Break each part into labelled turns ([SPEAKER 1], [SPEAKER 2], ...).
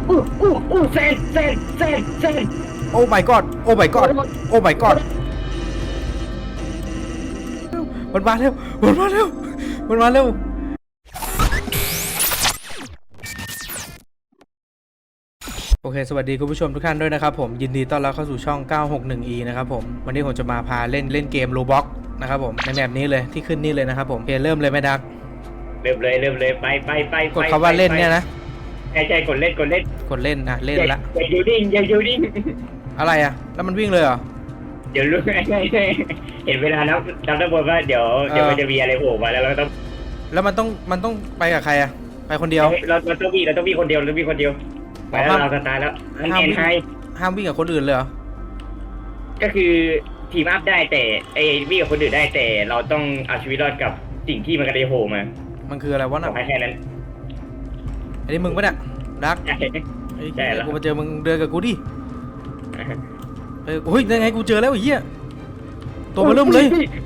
[SPEAKER 1] เซน
[SPEAKER 2] โอ้ my god โอ้ my god โอ้ my god มันมาเร็วมันมาเร็วมันมาเร็วโอเคสวัสดีคุณผู้ชมทุกท่านด้วยนะครับผมยินดีต้อนรับเข้าสู่ช่อง 961E นะครับผมวันนี้ผมจะมาพาเล่นเกม Roblox นะครับผมในแมปนี้เลยที่ขึ้นนี่เลยนะครับผมเริ่มเลยไหมดัก
[SPEAKER 1] เริ่มเลยไป
[SPEAKER 2] กดคำว่าเล่นเนี่ยนะ
[SPEAKER 1] ใช่กดเล่น
[SPEAKER 2] กดเล่นนะเล่นละ
[SPEAKER 1] อย่าอยู่นิ่ง
[SPEAKER 2] อะไรอะแล้วมันวิ่งเลยเหรอ
[SPEAKER 1] เดี๋ยวรู้เห็นเวลาแล้วจำได้บนว่าเดี๋ยวมันจะมีอะไรโผล่มาแล้วเราต้อง
[SPEAKER 2] แล้วมันต้องไปกับใครอะไปคนเดียว
[SPEAKER 1] เราต้องมีคนเดียวไปแล้วเราจะตายแล้ว
[SPEAKER 2] ห้ามวิ่งกับคนอื่นเลยเหรอ
[SPEAKER 1] ก็คือทีมอัพได้แต่วิ่งกับคนอื่นได้แต่เราต้องเอาชีวิตรอดกับสิ่งที่มันกระเดโผล่มา
[SPEAKER 2] มันคืออะไรวะน่ะ
[SPEAKER 1] แค่นั้น
[SPEAKER 2] อันนี้มึงปะเนี่ยดัก
[SPEAKER 1] ใช่แล้ว
[SPEAKER 2] กูมาเจอมึงเดินกับกูดิโอ้ยยังไงกูเจอแล้วไอ้เหี้ยตัวเบลเริ่มเลย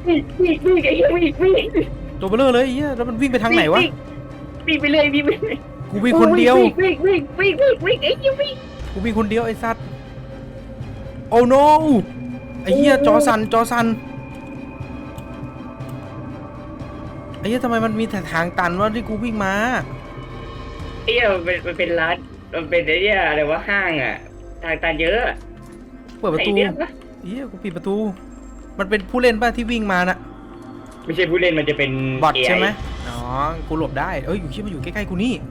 [SPEAKER 2] ตัวเบลเลอร์เลยไอ้เหี้ยแล้วมันวิ่งไปทางไหนวะ
[SPEAKER 1] วิ่งไปเลย
[SPEAKER 2] กูวิ่งคนเดียว
[SPEAKER 1] วิ่งไอ้เหี้ยวิ่ง
[SPEAKER 2] กูวิ่งคนเดียวไอ้สัตว์โอ้ no ไอ้เหี้ยจอสั่นไอ้เหี้ยทำไมมันมีแต่ทางตันวะที่กูวิ่งมา
[SPEAKER 1] ไอ้เหี้ยมันเป็นร้านมันเป็นไอ้เหี้ยอะไรวะห้างอ่ะทางตันเยอะ
[SPEAKER 2] เปิดประตูเหี้ยกูปิดประตูมันเป็นผู้เล่นป่ะที่วิ่งมาน่ะ
[SPEAKER 1] ไม่ใช่ผู้เล่นมันจะเป็น
[SPEAKER 2] บอทใช่ไหมอ๋อกูหลบได้อยู่ที่มันอยู่ใกล้ๆกูนี่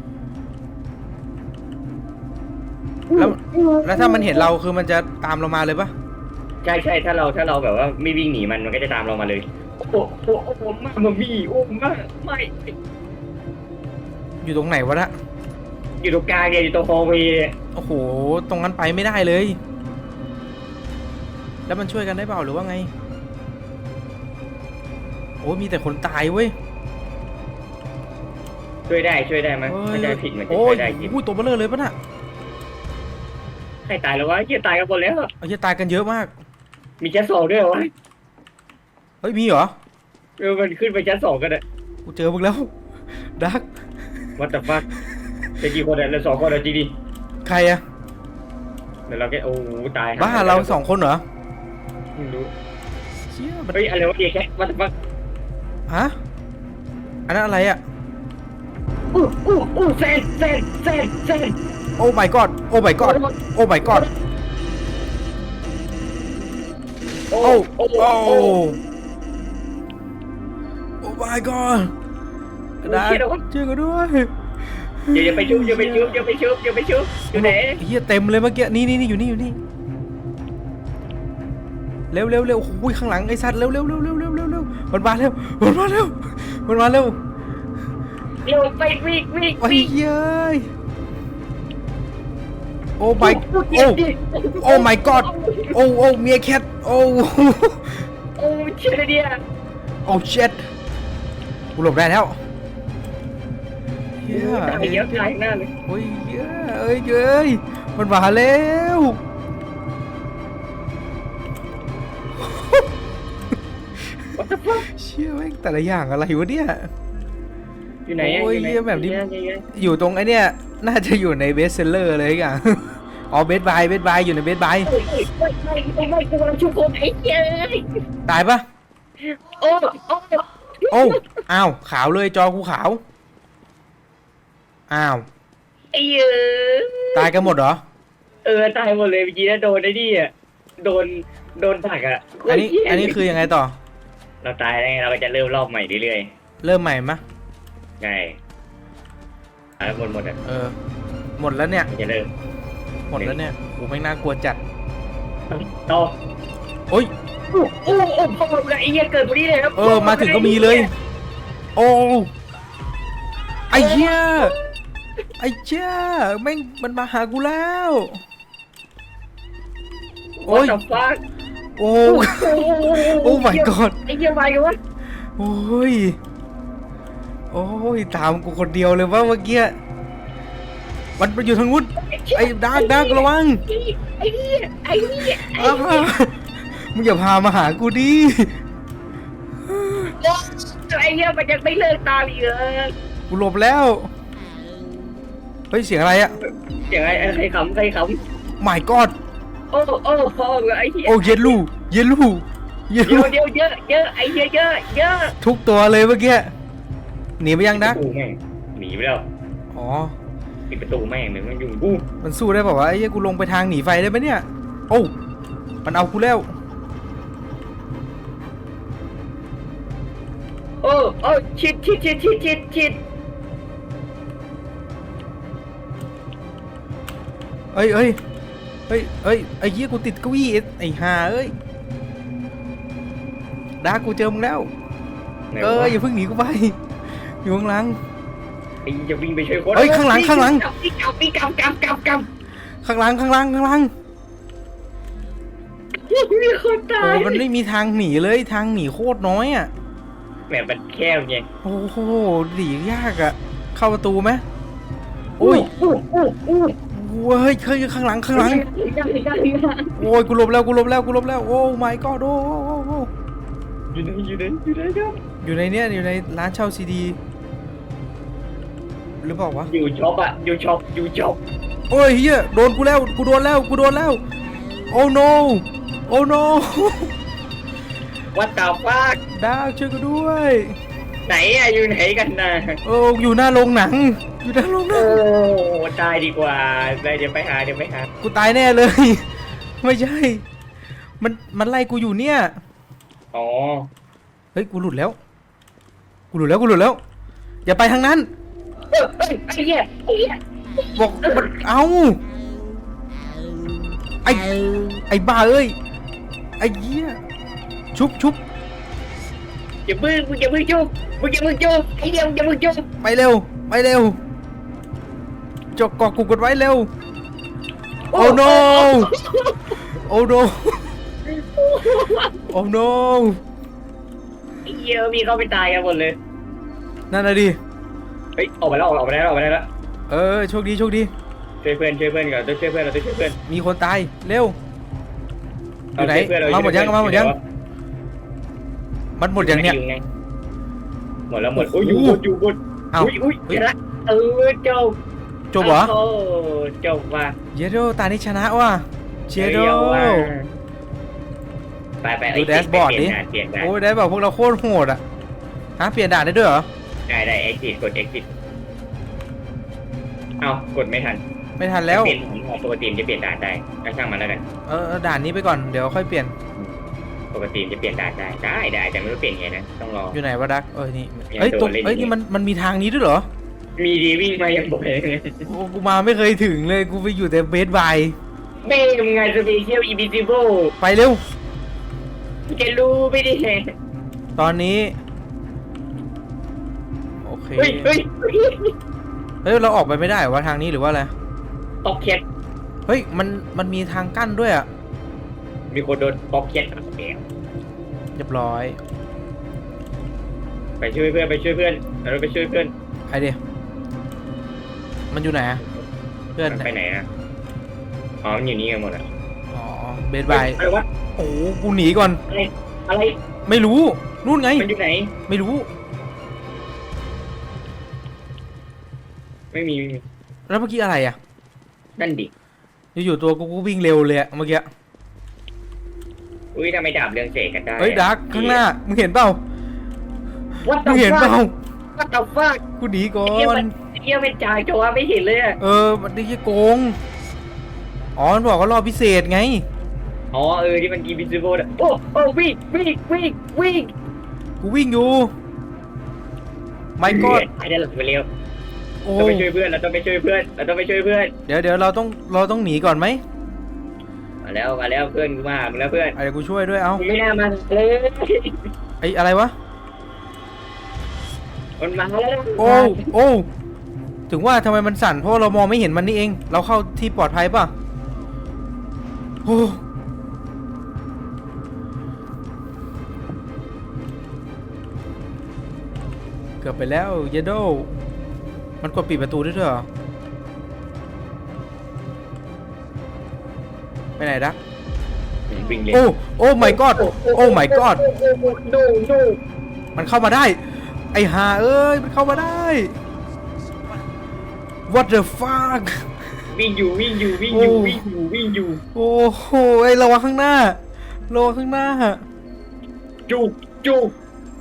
[SPEAKER 2] แล้วถ้ามันเห็นเราคือมันจะตามเรามาเลยป่ะ
[SPEAKER 1] ใช่ถ้าเราแบบว่าไม่วิ่งหนีมันก็จะตามเรามาเลยโอ้โหมามีโอ้มาไม่
[SPEAKER 2] อยู่ตรงไหนวะนะ
[SPEAKER 1] อยู่ตรงกลางเนี่ยอยู่ตรงฮอลล์เวย์
[SPEAKER 2] โอ้โหตรงนั้นไปไม่ได้เลยแล้วมันช่วยกันได้เปล่าหรือว่าไงโอ้มีแต่คนตายเว้ย
[SPEAKER 1] ช่วยได้มั้ยไม่ได้ผิดมันจะช่วยได้จริง
[SPEAKER 2] ตัวเบลเลอร์เลยป่ะน่ะ
[SPEAKER 1] ใครตายแล้ววะเฮียตายกันหมดแล้ว
[SPEAKER 2] เฮียตายกันเยอะมาก
[SPEAKER 1] มีชั้น2ด้วยเหรอวะ
[SPEAKER 2] เฮ้ยมีเหรอ
[SPEAKER 1] มันขึ้นไปชั้น2กันอ่ะ
[SPEAKER 2] กูเจอมึงแล้วดัก
[SPEAKER 1] What the fuck จะกี่คนอ่ะเรา2คนอ่ะจริงดิ
[SPEAKER 2] ใครอะ
[SPEAKER 1] เดี๋ยวเราแค่โอ้ตาย
[SPEAKER 2] บ้าเรา2คนเหรอ
[SPEAKER 1] ไม่รู้เฮ้ยอะไรวะเด็กแค่ What the fuck
[SPEAKER 2] ฮะอันนั้นอะไรอะ
[SPEAKER 1] เซน
[SPEAKER 2] โอ้ my god โอ้ my god โอ้ my god โอ้ my god ได้เจอกันด้วย
[SPEAKER 1] อย่าไปชุบอยู่ไหน
[SPEAKER 2] เฮียเต็มเลยเมื่อกี้นี่อยู่นี่เร็วโอ้ยข้างหลังไอ้สัตว์เร็วมันมาเร็ว
[SPEAKER 1] ไปวิ่ง
[SPEAKER 2] โอ้ยเย้ยโอ้ my โอ้ my god โอ้เมียแคทโอ้
[SPEAKER 1] เชี่ยเดีย
[SPEAKER 2] โอ้เช็ดกูหลบได้แล้ว
[SPEAKER 1] เยอะตายหน้าเลย
[SPEAKER 2] โอ้ยเย้ยมันมาแล้วเชี่ยแม่งแต่ละอย่างอะไรวะเนี่ย
[SPEAKER 1] อยู่ไหน
[SPEAKER 2] โอ้ยเยี่ยแบบนี้อยู่ตรงไอ้เนี่ยน่าจะอยู่ในเบสเซลเลอร์เลยอย่างอ๋อเบสบายอยู่ในเบสบาย
[SPEAKER 1] ไม่กูกำลังชุบคนไอ้เหี้ย
[SPEAKER 2] ตายปะ
[SPEAKER 1] โอ้
[SPEAKER 2] อ้าวขาวเลยจอกูขาวอ้าว
[SPEAKER 1] ไอ้เหี้ย
[SPEAKER 2] ตายกันหมดเหรอ
[SPEAKER 1] ตายหมดเลยเมื่อกี้นะโดนไอ้นี่อ่ะโดนผักอ่ะ
[SPEAKER 2] อันนี้คือยังไงต่อ
[SPEAKER 1] เราตายแล้วไงเราก็จะเริ่มรอบใหม่เรื่อย
[SPEAKER 2] ๆเริ่มใหม่มะ
[SPEAKER 1] ใช่หมดอ่ะ
[SPEAKER 2] หมดแล้วเนี่ย
[SPEAKER 1] จะเริ่ม
[SPEAKER 2] หมดแล้วเนี่ยโอ้ไม่น่ากลัวจัด
[SPEAKER 1] ต่อ
[SPEAKER 2] โอ้ย
[SPEAKER 1] พอไอ้เหี้ยเกิดพอดีเลยครับ
[SPEAKER 2] มาถึงก็มีเลยโอ้ไอ้เหี้ยแม่งมันมาหากูแล้ว
[SPEAKER 1] โอ้ย
[SPEAKER 2] โอ้ my god
[SPEAKER 1] ไอ้เหี้ยไปกันวะ
[SPEAKER 2] โอ้ยตามกูคนเดียวเลยว่าเมื่อกี้มันไปอยู่ทางนู้นไอ้ดักระวัง
[SPEAKER 1] ไอ้เหี้ย
[SPEAKER 2] มึงอย่าพามาหากูดิ
[SPEAKER 1] ไอ้เหี้ยมันยังไม่เลิกตามอีกเลย
[SPEAKER 2] กูหลบแล้วเฮ้ยเสียงอะไรอะ
[SPEAKER 1] เสียงอะไรใครขำใครข
[SPEAKER 2] My God
[SPEAKER 1] ำโอ้โอ้โอ้ไอ้เหี้ย
[SPEAKER 2] โอ้เยลลูเยลลูเยล
[SPEAKER 1] เดี๋
[SPEAKER 2] ลู
[SPEAKER 1] ยวเดี๋ยวเยอะเยอะไอ้เหี้ยเยอะเยอะ
[SPEAKER 2] ทุกตัวเลยเมื่อกี้หนีไปยังดัก
[SPEAKER 1] ประตูแม่งหนีไปแล้ว
[SPEAKER 2] อ๋อ
[SPEAKER 1] ปิดประตูแม่งเลยมันยุ่งกู
[SPEAKER 2] มันสู้ได้เปล่าวะไอ้เหี้ยกูลงไปทางหนีไฟได้ไหมเนี่ยโอ้มันเอากูแล้ว
[SPEAKER 1] โอ้โอ้ชิด
[SPEAKER 2] เอ้ยเอ้ยเอ้ยเอ้ยไอ้เหี้ยกูติดเก้าอี้ไอ้ห่าเอ้ยดักกูเจอมึงแล้ว
[SPEAKER 1] ไหน
[SPEAKER 2] เอ้
[SPEAKER 1] วะ
[SPEAKER 2] ยอย่าเพิ่งหนีกูไปอยู่ข้างหลัง
[SPEAKER 1] ไอ้จะวิ่งไปช่วยคน
[SPEAKER 2] เฮ้ยข้างหลังข้างหลัง
[SPEAKER 1] วิ่งกลับ
[SPEAKER 2] ข้างหลังข้างหลังข้างหลัง
[SPEAKER 1] มีคนตา
[SPEAKER 2] โอ้
[SPEAKER 1] ย
[SPEAKER 2] มันไม่มีทางหนีเลยทางหนีโคตรน้อยอ่ะ
[SPEAKER 1] แหมมันแคบไง
[SPEAKER 2] โอ้โหหนียากอ่ะเข้าประตูไหมโอ้ยเว้ยเคยข้างหลังโอ้ยกูหลบแล้วกูหลบแล้วกูหลบแล้วโอ้ my god โอ้โอ้
[SPEAKER 1] อยู่ไหนครับ
[SPEAKER 2] อยู่ในเนี้ยอยู่ในร้านเช่าซีดีหรือเปล่าวะ
[SPEAKER 1] อยู่ช็อป
[SPEAKER 2] โอ้ยเฮียโดนกูแล้วกูโดนแล้วกูโดนแล้วโอ้ no โอ้ no
[SPEAKER 1] วัดตาฟาก
[SPEAKER 2] ดาวช่วยกูด้วย
[SPEAKER 1] ไหนอะอยู่ไหนกันนะ
[SPEAKER 2] โอ้อยู่หน้าโรงหนังอยู่หน้าโรงหนั
[SPEAKER 1] โอ้
[SPEAKER 2] ง
[SPEAKER 1] ตายดีกว่าไปเดี๋ยวไปหา
[SPEAKER 2] กูตายแน่เลย ไม่ใช่ มันไล่กูอยู่เนี่ย
[SPEAKER 1] อ๋อ
[SPEAKER 2] เฮ้ยกูหลุดแล้วกูหลุดแล้วอย่าไปทางนั้น
[SPEAKER 1] เฮ้ยไอ้เหี้ย
[SPEAKER 2] บอกมันเอาไอ้บ้าเอ้ยไอ้เหี้ยชุบ
[SPEAKER 1] อย่าเพิ่งจุ๊บไอ้เหี้ยอย่าเพิ่งจุ๊บ
[SPEAKER 2] ไปเร็วจกเกาะกูกดไว้เร็วโอ้ no โอ้ no โอ้ no
[SPEAKER 1] ไอ้เหี้ยมีเข้าไปตายกันหมดเลย
[SPEAKER 2] นั่นน่ะดิ
[SPEAKER 1] เฮ้ยออกไปแล้ว
[SPEAKER 2] โชคดี
[SPEAKER 1] ช่วยเพื่อนก่อนต้องช่วยเพื่อน
[SPEAKER 2] มีคนตายเร็วอยู่ไหน
[SPEAKER 1] เร
[SPEAKER 2] มาหมดยังมันหมดยังเนี่ย
[SPEAKER 1] หมดแล้วโอ้ยอยู่บน
[SPEAKER 2] เอ้า
[SPEAKER 1] อุ้ยชนะจบ
[SPEAKER 2] จบเหรอ
[SPEAKER 1] โอ้จบว่ะ
[SPEAKER 2] เยโดตานี้ชนะว่ะเชโด
[SPEAKER 1] ไป
[SPEAKER 2] ดูแดชบอร์ดดิ
[SPEAKER 1] เปลี่ยนได้
[SPEAKER 2] โอ้ยได้บอกพวกเราโคตรโหดอ่ะฮะเปลี่ยนด่านได้ด้วยเหรอ
[SPEAKER 1] ได้ exit กด exit เอากดไม่ทัน
[SPEAKER 2] ไม่ทันแล้ว
[SPEAKER 1] เปลี่ยนของปกติจะเปลี่ยนด่านได้ก็ช่างมันแล้วกัน
[SPEAKER 2] ด่านนี้ไปก่อนเดี๋ยวค่อยเปลี่ยน
[SPEAKER 1] ปกติจะเปลี่ยนด่านได้แต่ไม่รู้เปลี่ยนไงนะต้องรอ
[SPEAKER 2] อยู่ไหนวะดักนี่
[SPEAKER 1] ยัง
[SPEAKER 2] เอ้ย
[SPEAKER 1] โดน
[SPEAKER 2] ตรง
[SPEAKER 1] เล่น
[SPEAKER 2] เอ้ย
[SPEAKER 1] อยู่
[SPEAKER 2] นี่มันมีทางนี้ด้วยเหรอ
[SPEAKER 1] มีดีวิ่งมายังบ่อยเลย
[SPEAKER 2] โอ้กูมาไม่เคยถึงเลยกูไปอยู่แต่เบสบาย
[SPEAKER 1] เบ้มึงไงสเปเชียลอีบิซิโบ
[SPEAKER 2] ไปเร็ว
[SPEAKER 1] แกรู้ไม่ได้
[SPEAKER 2] ตอนนี้โอเค
[SPEAKER 1] เฮ้ย
[SPEAKER 2] เฮ้ยเราออกไปไม่ได้เหรอวะทางนี้หรือว่าอะไร
[SPEAKER 1] ป๊อกเก็ต
[SPEAKER 2] เฮ้ยมันมีทางกั้นด้วยอ่ะ
[SPEAKER 1] มีคนโดนป๊อกเก็ตแอบ
[SPEAKER 2] เรียบร้อย
[SPEAKER 1] ไปช่วยเพื่อนเราไปช่วยเพื่อน
[SPEAKER 2] ไอเดียมันอยู่ไหนอะเพื่อน
[SPEAKER 1] มันไปไหนอะอ๋อมันอยู่นี่กันหมดอะ
[SPEAKER 2] อ๋อเบสบาย
[SPEAKER 1] อะไรวะ
[SPEAKER 2] โอ้กูหนีก่อน
[SPEAKER 1] อะไร
[SPEAKER 2] ไม่รู้นู่นไง
[SPEAKER 1] มันอยู่ไหน
[SPEAKER 2] ไม่รู้
[SPEAKER 1] ไม่มี
[SPEAKER 2] แล้วเมื่อกี้อะไรอ่ะ
[SPEAKER 1] นั่นดิ
[SPEAKER 2] อยู่ๆตัวกูวิ่งเร็วเลยอะเมื่อกี้
[SPEAKER 1] อุ้ยทำไมดาบเรืองเสกกันได้
[SPEAKER 2] เฮ้ยดักข้างหน้ามึงเห็นเปล่า
[SPEAKER 1] วัด
[SPEAKER 2] มึงเห็นเปล่า
[SPEAKER 1] วัดต่อฟัก
[SPEAKER 2] กูหนีก่อ
[SPEAKER 1] เฮีย
[SPEAKER 2] น
[SPEAKER 1] เป็นจ่ายโจวไม่เห็นเลยอะ
[SPEAKER 2] มันได้แค่โกงอ๋อมันบอกว่ารอบพิเศษไง
[SPEAKER 1] อ๋อที่มันกีบิซิโบดโอ้วิ่ง
[SPEAKER 2] กูวิ่งอยู่ไม่ก็
[SPEAKER 1] ไอ้เดี๋ยวเราไปเร็ว
[SPEAKER 2] โอ้
[SPEAKER 1] ต้องไปช่วยเพื่อนเราต้องไปช่วยเพื่อน
[SPEAKER 2] เดี๋ยวเราต้องหนีก่อนไหม
[SPEAKER 1] มาแล้วเพื่อนกูมาแล้วเพื่อน
[SPEAKER 2] เดี๋ยวกูช่วยด้วยเอ้า
[SPEAKER 1] ไม่น่ามาเลย
[SPEAKER 2] ไอ้อะไรวะ
[SPEAKER 1] มันมาแล้ว
[SPEAKER 2] โอ้ถึงว่าทำไมมันสั่นเพราะเรามองไม่เห็นมันนี่เอง เราเข้าที่ปลอดภัยป่ะโอ้เกือบไปแล้วเยโดมันกดปิดประตูได้ด้วยเหรอไปไหนดัก
[SPEAKER 1] วิ่งเลย
[SPEAKER 2] โอ้ my god โอ้ my god
[SPEAKER 1] โน
[SPEAKER 2] มันเข้ามาได้ ไอ้ห่าเอ้ยมันเข้ามาได้ what the fuck
[SPEAKER 1] วิ่งอยู่วิ่งอยู่วิ่งอยู่วิ่งอยู่วิ่งอยู่
[SPEAKER 2] โอ้โหไอ้ระวังข้างหน้าระวังข้างหน้า
[SPEAKER 1] จุกจุก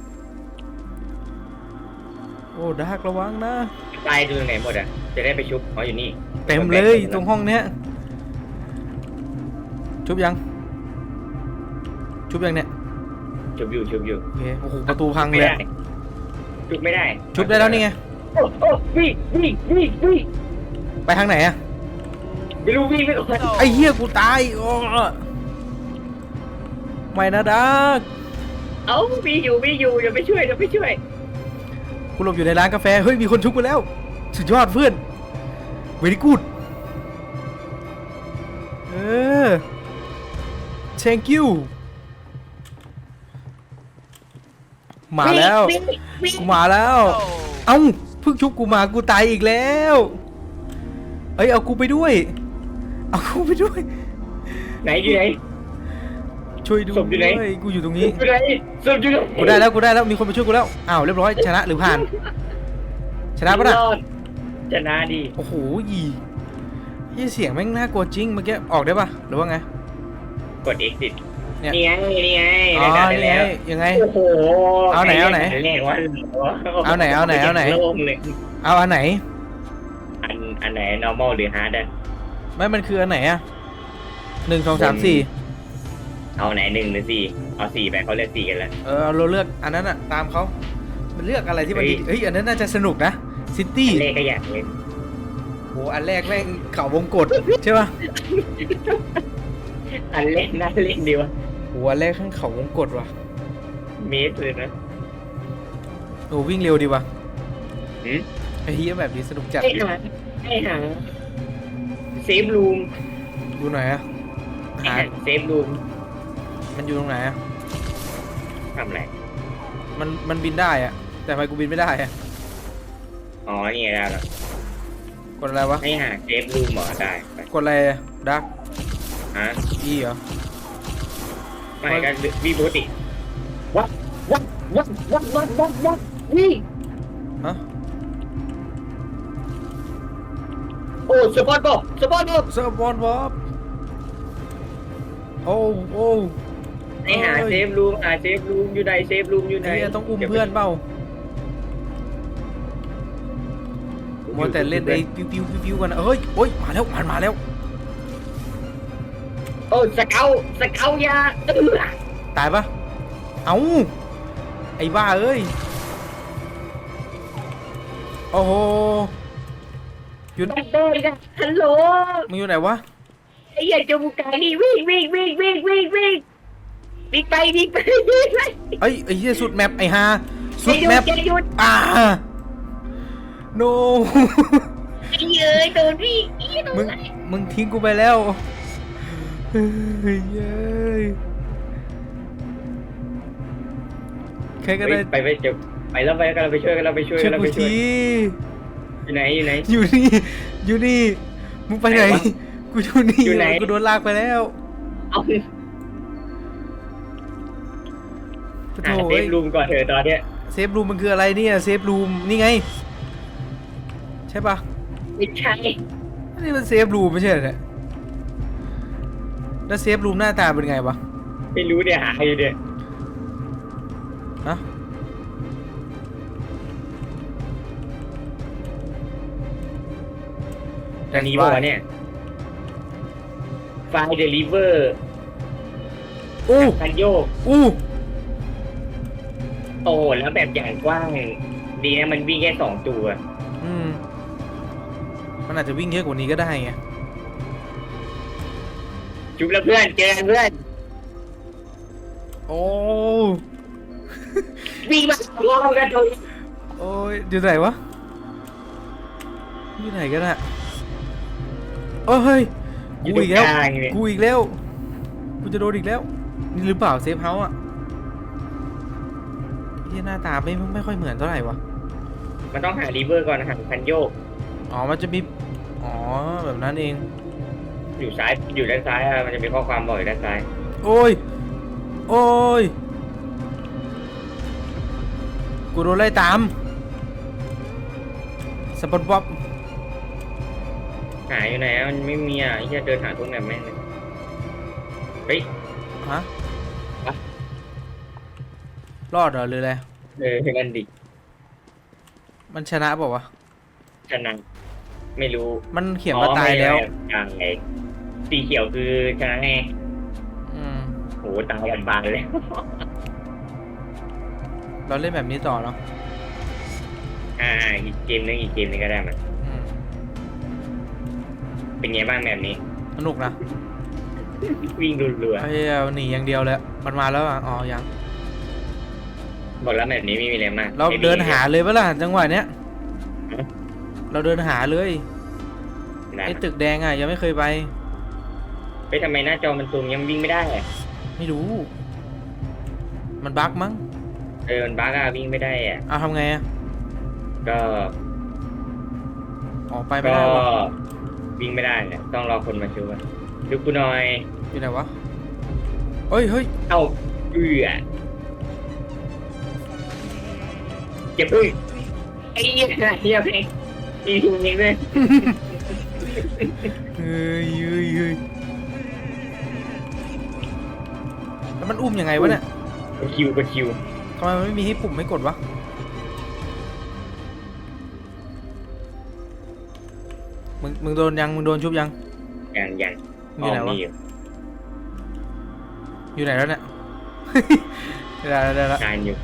[SPEAKER 2] โอ้ดาร์กระวังนะ
[SPEAKER 1] ตายดูตรงไหนหมดอ่ะจะได้ไปชุบเขาอยู่นี่
[SPEAKER 2] เต็มเลยตรงห้องเนี้ยชุบยังชุบยังเนี่ย
[SPEAKER 1] ชุบอยู่ชุบอยู่
[SPEAKER 2] โอเคโอ้โหประตูพัง
[SPEAKER 1] ไม่
[SPEAKER 2] เลย
[SPEAKER 1] ได้ชุบไม่ได้
[SPEAKER 2] ชุบได้แล้วนี่ไง
[SPEAKER 1] โอ้โอ้วิ่งวิ่งวิ่งวิ่ง
[SPEAKER 2] ไปทางไหนอะ
[SPEAKER 1] ไม่รู้วิ่งไม่ออก
[SPEAKER 2] ไอ้เหี้ยกูตายโอ้ไม่นะดาร์ก
[SPEAKER 1] เอ้าวิ่งอยู่วิ่งอยู่เดี๋ยวไปช่วยเดี๋ยวไปช่วย
[SPEAKER 2] กูหลบอยู่ในร้านกาแฟเฮ้ยมีคนชุบกูแล้วสุดยอดเพื่อนเวรี่กูดthank you มาแล้ว
[SPEAKER 1] วิ่งวิ่ง
[SPEAKER 2] กูมาแล้ว เอ้าเพิ่งชุบกูมากูตายอีกแล้วเอ้ยเอากูไปด้วยเอากูไปด้วย
[SPEAKER 1] ไหนอยู่ไหน
[SPEAKER 2] ช่วยด้ว
[SPEAKER 1] ศพอยู่ไหน
[SPEAKER 2] ยกูอยู่ตรงนี้
[SPEAKER 1] อยู่ไหนศพอยู่ไหน
[SPEAKER 2] กูได้แล้วมีคนมาช่วยกูแล้วอ้าวเรียบร้อยชนะหรือผ่านชนะปะน่ะ
[SPEAKER 1] รอดชนะดี
[SPEAKER 2] โอ้โหยี่เสียงแม่งน่ากลัวจริงเมื่อกี้ออกได้ปะหรือว่าไง
[SPEAKER 1] กด exit
[SPEAKER 2] เนี่ย
[SPEAKER 1] นี่ไงนี่ไง
[SPEAKER 2] อ๋อ
[SPEAKER 1] ได้
[SPEAKER 2] นี่
[SPEAKER 1] แล้ว
[SPEAKER 2] ไงยังไง
[SPEAKER 1] โอ้โห
[SPEAKER 2] เอาไหนเอาไหน
[SPEAKER 1] เรียกว่า
[SPEAKER 2] เอาไหนเอาไหนเอาไหน
[SPEAKER 1] โล่งเลย
[SPEAKER 2] เอาอันไหน
[SPEAKER 1] อันไหน normal หรือ hard อะ
[SPEAKER 2] ไม่มันคืออันไหนอะ1 2 3 4
[SPEAKER 1] เอาไหน1หรือ4เอา4ไปเขาเลือก4กันแล้ว
[SPEAKER 2] เราเลือกอันนั้นอะตามเขามันเลือกอะไรที่มันดีเฮ้ยอันนั้นน่าจะสนุกนะซิตี้
[SPEAKER 1] เลขก็อยากเล่น
[SPEAKER 2] โหอันแรกแม่งเขาวงกตใช่ปะ
[SPEAKER 1] อันเล่นน่าเล่นดีวะ
[SPEAKER 2] โหอันแรกข้างเขาวงกตว่ะ
[SPEAKER 1] เมสเลยนะ
[SPEAKER 2] โอ้วิ่งเร็วดีว่ะ
[SPEAKER 1] หืม
[SPEAKER 2] ไอ้เฮียแบบนี้สนุกจัด
[SPEAKER 1] ให้หาเซฟรูม
[SPEAKER 2] ดูหน่อยอะหา
[SPEAKER 1] เซฟรูม
[SPEAKER 2] มันอยู่ตรงไหนอะ
[SPEAKER 1] ทำอะไร
[SPEAKER 2] มันบินได้อะแต่ทำไมกูบินไม่ได้อะ
[SPEAKER 1] อ๋อนี่ไงได้แล้ว
[SPEAKER 2] กดอะไรวะ
[SPEAKER 1] ให้หาเซฟรูมเหรอได้ไป
[SPEAKER 2] กดอะไรดัก
[SPEAKER 1] ฮะ
[SPEAKER 2] อีเหรอ
[SPEAKER 1] ไม่ก็วิ่งปกติวัดนี่
[SPEAKER 2] ฮะ
[SPEAKER 1] โอ้สปอร์ตบอก
[SPEAKER 2] เซอร์บอลบอบโอ้
[SPEAKER 1] ให้หาเซฟรูมอยู่ไหนเซฟรูมอยู่ไหน
[SPEAKER 2] ไอ้เหี้ยต้องอุ้มเพื่อนเปล่ามัวแต่เล่นไอ้ปิ้วกันนะเฮ้ยโอ้ยมาแล้วมันมาแล้ว
[SPEAKER 1] โอ้สเกลยา
[SPEAKER 2] ตายปะเอ้าไอ้บ้าเอ้ยโอ้โหอยู่
[SPEAKER 1] แบดเดย์กันฮัลโหล
[SPEAKER 2] มึงอยู่ไหนวะ
[SPEAKER 1] ไอ้เหี้ยจมูกไก่นี่วิ่งไป
[SPEAKER 2] เอ้ยไอ้เหี้ยสุดแมปไอ้ฮาสุดแมป
[SPEAKER 1] จะหยุด
[SPEAKER 2] no
[SPEAKER 1] ไอ้เย้ยโดนพี่โดน
[SPEAKER 2] มึงทิ้งกูไปแล้วเฮ้ยเย้ยใครก็ได้
[SPEAKER 1] ไปจะไปแล้วกันเราไปช่วยกันเราไปช่วย
[SPEAKER 2] ช่วย
[SPEAKER 1] เรา
[SPEAKER 2] กู
[SPEAKER 1] ไปช่วย
[SPEAKER 2] ที
[SPEAKER 1] อยู่ไหน
[SPEAKER 2] อยู่นี่มึงไปไหน
[SPEAKER 1] ไหนวะ
[SPEAKER 2] กูอยู่นี่
[SPEAKER 1] อยู่ไหน
[SPEAKER 2] กูโดนลากไปแล้ว
[SPEAKER 1] เอา
[SPEAKER 2] ปะ
[SPEAKER 1] หา
[SPEAKER 2] โถ
[SPEAKER 1] เซฟรูมก่อนเถอะตอนเนี้ย
[SPEAKER 2] เซฟรูมมันคืออะไรเนี่ยเซฟรูมนี่ไงใช่ปะ
[SPEAKER 1] ไม่ใช่
[SPEAKER 2] อันนี้มันเซฟรูมไม่ใช่เหรอเนี่ยแล้วเซฟรูมหน้าตาเป็นไงวะ
[SPEAKER 1] ไม่รู้เนี่ยหาอยู่เนี่ย
[SPEAKER 2] ฮะ
[SPEAKER 1] อันนี้บอกว่าเนี่ยไฟล์เดลิเวอร์
[SPEAKER 2] อู้
[SPEAKER 1] คันโยก
[SPEAKER 2] อู้
[SPEAKER 1] โอ้แล้วแบบอย่างกว้างดีนะมันวิ่งแค่2 ตัว
[SPEAKER 2] มันอาจจะวิ่งเยอะกว่านี้ก็ได้ไง
[SPEAKER 1] จุบแล้วเพื่อนเจอกันเพื่อน
[SPEAKER 2] โอ้
[SPEAKER 1] วิ่งมาลองกันดู
[SPEAKER 2] โอ้ยอยู่ไหนวะอยู่ไหนกันอะโอ้เฮ้ย
[SPEAKER 1] อยู่
[SPEAKER 2] กู
[SPEAKER 1] ตร
[SPEAKER 2] อี
[SPEAKER 1] ง
[SPEAKER 2] กแล้ว
[SPEAKER 1] กลางเนี่ย
[SPEAKER 2] กูอีกแล้วกูจะโดนอีกแล้วนี่หรือเปล่าเซฟเฮาส์อะที่หน้าตาไม่ค่อยเหมือนเท่าไหร่วะ
[SPEAKER 1] มันต้องหารีเวอร์ก่อนหาคันโยก
[SPEAKER 2] อ๋อมันจะมีอ๋อแบบนั้นเอง
[SPEAKER 1] อยู่ซ้ายอยู่ด้านซ้ายอะมันจะมีข้อความบอกอยู่ด้านซ้าย
[SPEAKER 2] โอ้ยโอ้ยกูโดนไล่ตามสปอนบ๊อบ
[SPEAKER 1] หาอยู่ไหนอะมันไม่มีอ่ะไอ้เหี้ยเดินหาทุกแบบแม่งเลยเฮ้ย
[SPEAKER 2] ฮะ
[SPEAKER 1] อะ
[SPEAKER 2] รอดเหรอหรืออะไร
[SPEAKER 1] กันดิ
[SPEAKER 2] มันชนะเปล่าวะ
[SPEAKER 1] ชนะไม่รู้
[SPEAKER 2] มันเขียนว่าตายแล้ว
[SPEAKER 1] อย่างไงสีเขียวคือชนะแน่
[SPEAKER 2] อืม
[SPEAKER 1] โหตายกันบานเลย
[SPEAKER 2] เราเล่นแบบนี้ต่อเนาะ
[SPEAKER 1] อีกเกมนึงก็ได้มัน
[SPEAKER 2] อืม
[SPEAKER 1] เป็นไงบ้างแบบนี้
[SPEAKER 2] สนุกนะ
[SPEAKER 1] วิ่งรัว
[SPEAKER 2] ไอ้เหี้ยหนีอย่างเดียวเลยมันมาแล้วอ่ะอ๋อยัง
[SPEAKER 1] ๆบอกแล้วแบบนี้ไม่มีอะไรมาก
[SPEAKER 2] เราเดินหาเลยปะล่ะจังหวะเนี้ย เราเดินหาเลย
[SPEAKER 1] นะ
[SPEAKER 2] ไอ้ตึกแดงอ่ะยังไม่เคยไป
[SPEAKER 1] ไปทำไมหน้าจอมันซูมยังวิ่งไม่ได้อะ
[SPEAKER 2] ไม่รู้ มันบั๊กมั้ง
[SPEAKER 1] มันบั๊กอะวิ่งไม่ได้อะ
[SPEAKER 2] เอาทำไงอ่ะ
[SPEAKER 1] ก็
[SPEAKER 2] ออกไปไม่ได้วะ
[SPEAKER 1] วิ่งไม่ได้เนี่ยต้องรอคนมาช่วยดูกูหน่อย
[SPEAKER 2] อยู่ไหนวะเฮ้ยเฮ้ย
[SPEAKER 1] เอ้าเก็บด้วยไอ้เหี้ยเพลงมีทีมยิงด้วย
[SPEAKER 2] เฮ้ยเฮ้ยเฮ้ยแล้วมันอุ้มยังไงวะเนี่ย
[SPEAKER 1] กดคิว
[SPEAKER 2] ทำไมมันไม่มีให้ปุ่มให้กดวะ มึงโดนยัง มึงโดนชุบยัง
[SPEAKER 1] อย่าง
[SPEAKER 2] อยู่ไหนวะ
[SPEAKER 1] อยู่
[SPEAKER 2] อยู่ไหนแล้วเนี่ย ได้แล้ว
[SPEAKER 1] การอยู่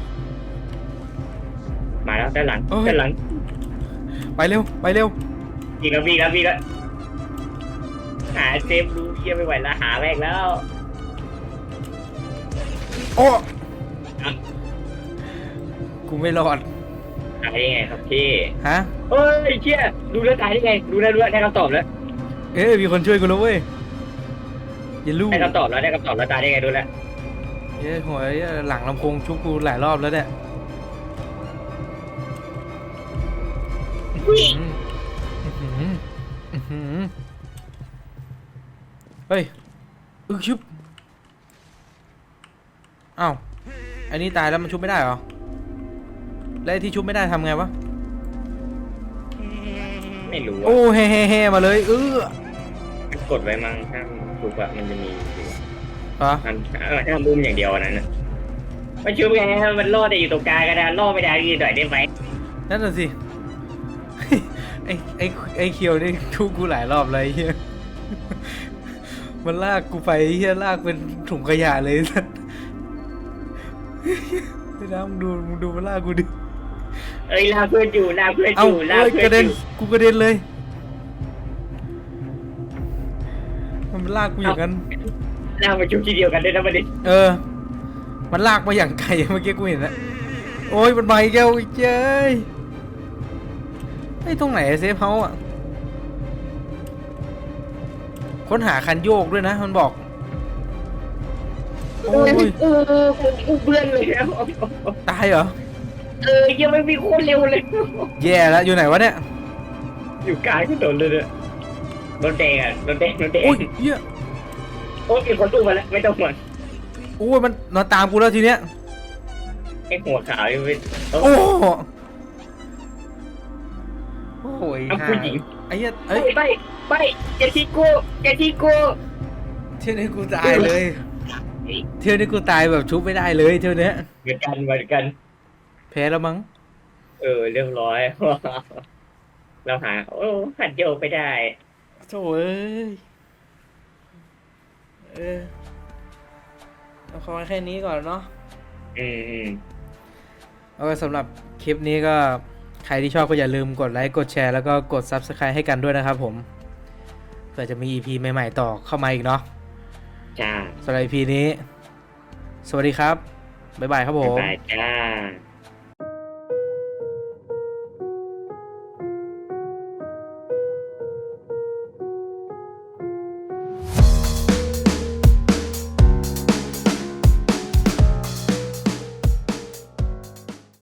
[SPEAKER 1] มาแล้วด้านหลัง
[SPEAKER 2] เอ้ย
[SPEAKER 1] ด้านหลัง
[SPEAKER 2] ไปเร็ว ไปเร็ว
[SPEAKER 1] วิ่งแล้วหาเซฟรู้เหี้ยไม่ไหวแล้วหาแม่งแล้ว
[SPEAKER 2] โอ้
[SPEAKER 1] อ่ะ
[SPEAKER 2] กูไม่รอด
[SPEAKER 1] ตายได้ไงครับพี่
[SPEAKER 2] ฮะ
[SPEAKER 1] เฮ้ยเชี่ยดูแล้วตายได้ไงดูแล้วได้คำตอบแล้ว
[SPEAKER 2] เอ้ยมีคนช่วยกูแล้วเว้ยอย่าลูก
[SPEAKER 1] ได้คำตอบแล้วตายได้ไงดูแล้ว
[SPEAKER 2] เอ้ยหัวหลังลำโพงชุบกูหลายรอบแล้วเนี่ยอื้อหืออื้อหือเฮ้ยชุบอ้าวอันนี้ตายแล้วมันชุบไม่ได้เหรอ แล้วไอ้ที่ชุบไม่ได้ทำไงวะ
[SPEAKER 1] ไม่รู้
[SPEAKER 2] โอ้
[SPEAKER 1] อะ
[SPEAKER 2] เฮ่มาเลย
[SPEAKER 1] กดไว้มั้งถ้าถูกอะมันจะมีอยู่
[SPEAKER 2] เหรอ
[SPEAKER 1] ถ้ามุมอย่างเดียวอันนั้นน่ะมันชุบไงมันรอดได้อยู่ตรงกลางก็ได้รอดไม่ได้ยืนหน่อยได้ไหม
[SPEAKER 2] นั่นน่ะสิ ไอ้เคียวนี่ชุบกูหลายรอบเลยไอ้เฮียมันลากกูไปไอ้เฮียลากเป็นถุงขยะเลยสัสไอ้น้ำมึงดูมันลากกูดิ
[SPEAKER 1] ลากเพื่อนอยู่ลากเพื่อน
[SPEAKER 2] เอ้า
[SPEAKER 1] อยู่ลาก
[SPEAKER 2] เอ้ย
[SPEAKER 1] เพื่
[SPEAKER 2] ก
[SPEAKER 1] อ
[SPEAKER 2] ระ
[SPEAKER 1] น
[SPEAKER 2] เด็น
[SPEAKER 1] อยู่
[SPEAKER 2] กูกระเด็นเลย มันลากกูอย่างนั้น
[SPEAKER 1] ลากมาชุบทีเดียวกันด้วยนะประเด็น
[SPEAKER 2] มันลากมาอย่างไกลเมื่อกี้กูเห็นนะโอ้ยมันมาอีกแล้วอีกเจ้ยไอ้ตรงไหนเซฟเฮาส์อ่ะค้นหาคันโยกด้วยนะมันบอกโอ้ย
[SPEAKER 1] กูเบื่อเลยแล้ว
[SPEAKER 2] ตายเหรอ
[SPEAKER 1] ยังไม่มีโคตรเร็วเลย
[SPEAKER 2] แย่แล้วอยู่ไหนวะเนี่ย
[SPEAKER 1] อยู่กลางถนนเลยเนี่ยรถแดงรถแดง
[SPEAKER 2] โอ้ยเฮีย
[SPEAKER 1] โอ้ยมีคนตู้มาแล้วไม่ต้องห่วง
[SPEAKER 2] โอ้ยมันมาตามกูแล้วทีเนี้ย
[SPEAKER 1] ไอ้หัวขาวนี่เป็น
[SPEAKER 2] โอ้โห
[SPEAKER 1] ผู้หญิง
[SPEAKER 2] ไอ้เหี้ย
[SPEAKER 1] ไปอย่าทิ้งกู
[SPEAKER 2] เที่ยวนี้กูตายเลยเที่ยวนี้กูตายแบบชุบไม่ได้เลยเที่ยวนี้
[SPEAKER 1] เหมือนกัน
[SPEAKER 2] แพ้แล้วมั้ง
[SPEAKER 1] เรียบร้อย เราหาขัดโยกไปได้
[SPEAKER 2] โถ่เอ้ยเอาขอแค่นี้ก่อนเนาะ เอาไว้สำหรับคลิปนี้ก็ใครที่ชอบก็อย่าลืมกดไลค์กดแชร์แล้วก็กด Subscribe ให้กันด้วยนะครับผมเผื่อจะมี EP ใหม่ๆต่อเข้ามาอีกเนาะ
[SPEAKER 1] จ้า
[SPEAKER 2] สำหรับ EP นี้ สวัสดีครับ บ๊ายบายครับผม
[SPEAKER 1] บ๊ายบายจ้า